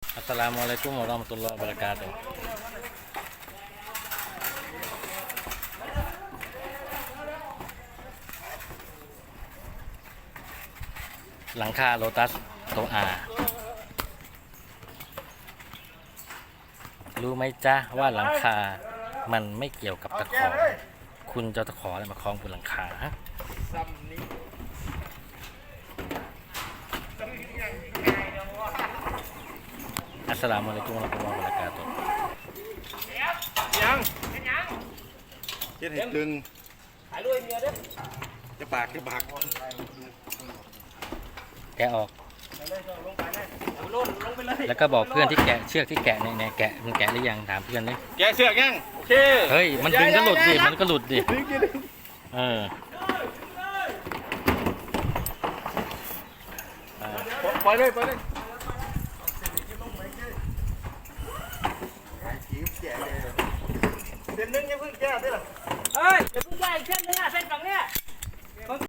อัสสลามุอะลัยกุมวะเราะมะตุลลอฮิวะบะเราะกาตุฮ์หลังคาโลตัสโตอารู้ไหมจ๊ะว่าหลังคามันไม่เกี่ยวกับตะขอคุณจะตะขออะไรมาคล้องบนหลังคาอัสสลามุอะลัยกุมวะเราะมะตุลลอฮิวะบะเราะกาตุฮ์ยังเฮ็ดให้ตึงถ่ายรูปเมียเด้อจะปากแกะออกแล้วก็บอกเพื่อนที่แกะเชือกที่แกะเนี่ยแกะมันแกะหรือยังถามเพื่อนดิแกเสือกยังโอเคเฮ้ยมันดึงก็หลุดดิมันก็หลุดดิเออปล่อยเลยเส้นนึงยังเพิ่งแก้ได้หรอเฮ้ยเดี๋ยวเพิ่งได้อีกเส้นนึงอ่ะเส้นฝั่งเนี้ย